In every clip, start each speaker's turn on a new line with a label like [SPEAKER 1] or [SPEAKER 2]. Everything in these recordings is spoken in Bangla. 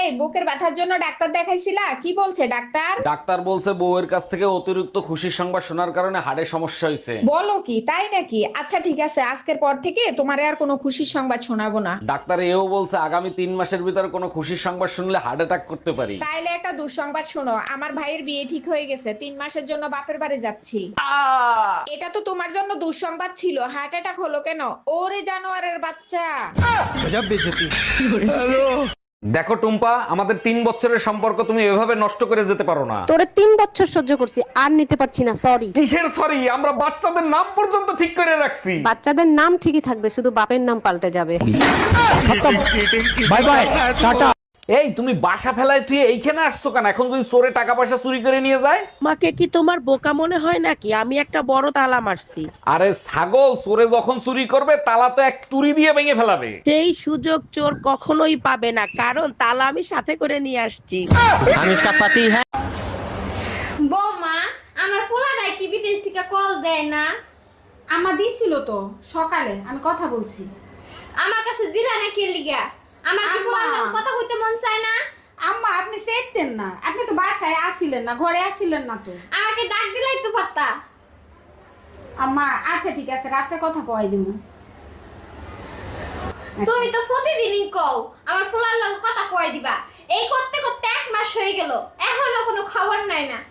[SPEAKER 1] বুকের ব্যথার জন্য ডাক্তার দেখাইছিলা? কি বলছে ডাক্তার?
[SPEAKER 2] ডাক্তার বলছে বউয়ের কাছ থেকে অতিরিক্ত খুশির সংবাদ শোনার কারণে হাড়ে সমস্যা হয়েছে।
[SPEAKER 1] বলো কি, তাই নাকি? আচ্ছা ঠিক আছে, আজকের পর থেকে তোমারে আর কোনো খুশির সংবাদ শোনাবো না।
[SPEAKER 2] ডাক্তার এও বলছে আগামী 3 মাসের ভিতরে কোনো খুশির সংবাদ শুনলে হার্ট অ্যাটাক করতে পারি।
[SPEAKER 1] তাইলে একটা দুঃসংবাদ শোনো, আমার ভাইয়ের বিয়ে ঠিক হয়ে গেছে, 3 মাসের জন্য বাপের বাড়ি যাচ্ছি। এটা তো তোমার জন্য দুঃসংবাদ ছিল, হার্ট অ্যাটাক হলো কেন? ওরে জানোয়ারের বাচ্চা।
[SPEAKER 2] দেখো টুম্পা, আমাদের 3 বছরের সম্পর্ক তুমি এভাবে নষ্ট করে যেতে পারো না।
[SPEAKER 3] তোরে 3 বছর সহ্য করছি, আর নিতে পারছি না, সরি।
[SPEAKER 2] কিসের সরি? আমরা বাচ্চাদের নাম পর্যন্ত ঠিক করে রাখছি।
[SPEAKER 3] বাচ্চাদের নাম ঠিকই থাকবে, শুধু বাপের নাম পাল্টে যাবে।
[SPEAKER 2] Bye bye, tata. এই তুমি বাসা ফেলায় তুই এইখানে আসছো কেন? এখন যদি চোরে টাকা পয়সা চুরি করে নিয়ে যায়?
[SPEAKER 4] আমাকে কি তোমার বোকা মনে হয় নাকি? আমি একটা বড় তালা মারছি।
[SPEAKER 2] আরে ছাগল, চোরে যখন চুরি করবে তালা তো এক তুড়ি দিয়ে ভেঙে ফেলাবে।
[SPEAKER 4] সেই সুযোগ চোর কখনোই পাবে না, কারণ তালা আমি সাথে করে নিয়ে আসছি।
[SPEAKER 5] বৌমা, আমার পোলাটাই কি বিদেশ থেকে কল দেয় না?
[SPEAKER 6] আমা দিছিল তো সকালে, আমি কথা বলছি।
[SPEAKER 5] আমার কাছে দিলা না কে লিগা? আমার কি
[SPEAKER 6] আম্মা।
[SPEAKER 5] পোলার লগে কথা কইতে মন চায় না?
[SPEAKER 6] আম্মা আপনি চেতেন না, আপনি তো বাসায় আসিলেন না, ঘরে আসিলেন না তো।
[SPEAKER 5] আমাকে ডাক দিলাই তো পারতা।
[SPEAKER 6] আম্মা আচ্ছা ঠিক আছে, রাত্রে কথা কয় দিব।
[SPEAKER 5] তুমি তো প্রতিদিনই কও আমার পোলার লগে কথা কই দিবা। এই করতে করতে 1 মাস হয়ে গেল, এখনো কোনো খবর নাই না।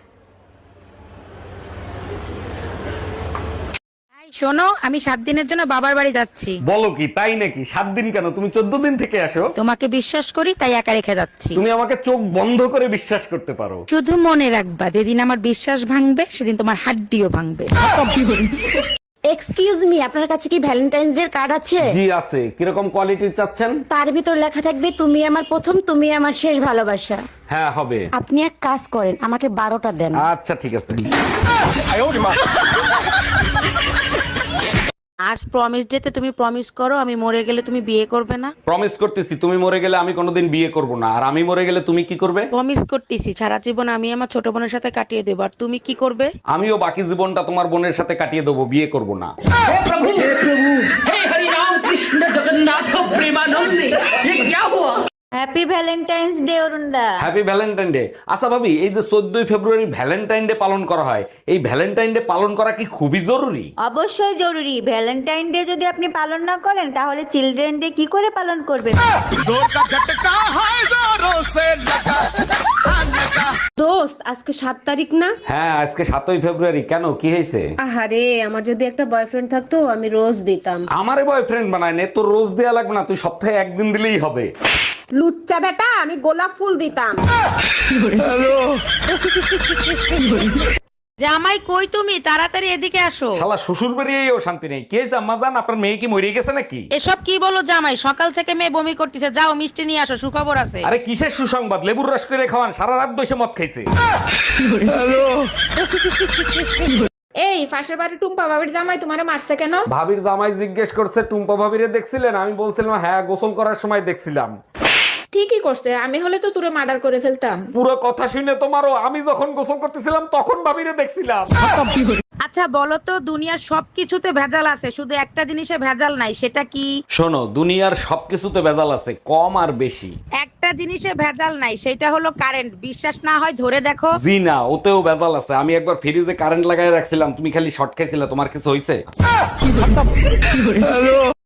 [SPEAKER 7] শোনো, আমি 7 দিনের জন্য বাবার বাড়ি যাচ্ছি।
[SPEAKER 2] বলো কি, তাই নাকি? 7 দিন কেন? তুমি 14 দিন থেকে আসো।
[SPEAKER 7] তোমাকে বিশ্বাস করি তাই একা রেখে যাচ্ছি।
[SPEAKER 2] তুমি আমাকে চোখ বন্ধ করে বিশ্বাস করতে পারো।
[SPEAKER 7] শুধু মনে রাখবা, যেদিন আমার বিশ্বাস ভাঙবে সেদিন তোমার হাড্ডিও ভাঙবে।
[SPEAKER 3] এক্সকিউজ মি, আপনার কাছে কি ভ্যালেন্টাইন্স ডে কার্ড আছে?
[SPEAKER 2] জি আছে। কিরকম কোয়ালিটির চাচ্ছেন?
[SPEAKER 3] তার ভিতর লেখা থাকবে তুমি আমার প্রথম, তুমি আমার শেষ ভালোবাসা।
[SPEAKER 2] হ্যাঁ হবে।
[SPEAKER 3] আপনি এক কাজ করেন, আমাকে 12টা দেন।
[SPEAKER 2] আচ্ছা ঠিক আছে।
[SPEAKER 7] আজ প্রমিস ডেতে তুমি প্রমিস করো আমি মরে গেলে তুমি বিয়ে করবে না।
[SPEAKER 2] প্রমিস করতেছি, তুমি মরে গেলে আমি কোনোদিন বিয়ে করব না। আর আমি মরে গেলে তুমি কি করবে?
[SPEAKER 7] প্রমিস করতেছি সারা জীবন আমি আমার ছোট বোনের সাথে কাটিয়ে দেবো, আর তুমি কি করবে?
[SPEAKER 2] আমিও বাকি জীবনটা তোমার বোনের সাথে কাটিয়ে দেবো, বিয়ে করব না।
[SPEAKER 8] হ্যাপি ভ্যালেন্টাইন্স ডে অরুণদা।
[SPEAKER 2] Happy Valentine day. আচ্ছা ভাবি, এই যে 14ই ফেব্রুয়ারি ভ্যালেন্টাইন ডে পালন করা হয়, এই ভ্যালেন্টাইন ডে পালন করা কি খুবই জরুরি?
[SPEAKER 8] অবশ্যই জরুরি। ভ্যালেন্টাইন ডে যদি আপনি পালন না করেন তাহলে চিলড্রেন ডে কি করে পালন করবেন?
[SPEAKER 3] দোস্ত, আজকে 7 তারিখ না?
[SPEAKER 2] হ্যাঁ আজকে 7ই ফেব্রুয়ারি। কেন, কি হয়েছে?
[SPEAKER 3] আহারে, আমার যদি একটা বয়ফ্রেন্ড থাকতো আমি রোজ দিতাম।
[SPEAKER 2] আমারে বয়ফ্রেন্ড বানায় নে, তোর রোজ দেয়া লাগবে না, তুই সপ্তাহে একদিন দিলেই হবে।
[SPEAKER 3] লুচ্চা বেটা, আমি গোলাপ ফুল দিতাম।
[SPEAKER 7] জামাই কই তুমি? তাড়াতাড়ি এদিকে আসো।
[SPEAKER 2] শালা শ্বশুর বাড়িয়েও শান্তি নেই। কে জাম্মা জান, আপনার মেয়ে কি মরে গেছে নাকি?
[SPEAKER 7] এসব কি বলো জামাই? সকাল থেকে মেয়ে বমি করতেছে, যাও মিষ্টি নিয়ে আসো, সুখবর আছে।
[SPEAKER 2] আরে কিসের সুসংবাদ? লেবুর রস করে খাওয়ান, সারা রাত বসে মদ খাইছে।
[SPEAKER 1] এই পাশের বাড়ি টুম্পা বাবির জামাই তোমারে মারছে কেন?
[SPEAKER 2] ভাবির জামাই জিজ্ঞেস করছে টুম্পা ভাবিরে দেখছিলেন? আমি বলছিলাম হ্যাঁ, গোসল করার সময় দেখছিলাম।
[SPEAKER 1] ঠিকই করছে, আমি হলে তো তোরে মার্ডার করে ফেলতাম।
[SPEAKER 2] পুরো কথা শুনে তোমারও, আমি যখন গোসল করতেছিলাম তখন ভাবিরে দেখছিলাম।
[SPEAKER 7] আচ্ছা বলো তো, দুনিয়ার সবকিছুতে ভেজাল আছে, শুধু একটা জিনিসে ভেজাল নাই, সেটা কি?
[SPEAKER 2] শোনো, দুনিয়ার সবকিছুতে ভেজাল আছে, কম আর বেশি।
[SPEAKER 7] একটা জিনিসে ভেজাল নাই, সেটা হলো কারেন্ট। বিশ্বাস না হয় ধরে দেখো।
[SPEAKER 2] জি না, ওতেও ভেজাল আছে। আমি একবার ফ্রিজে কারেন্ট লাগাই রাখছিলাম, তুমি খালি শর্ট খাইছিলে, তোমার কিছু হয়েছে?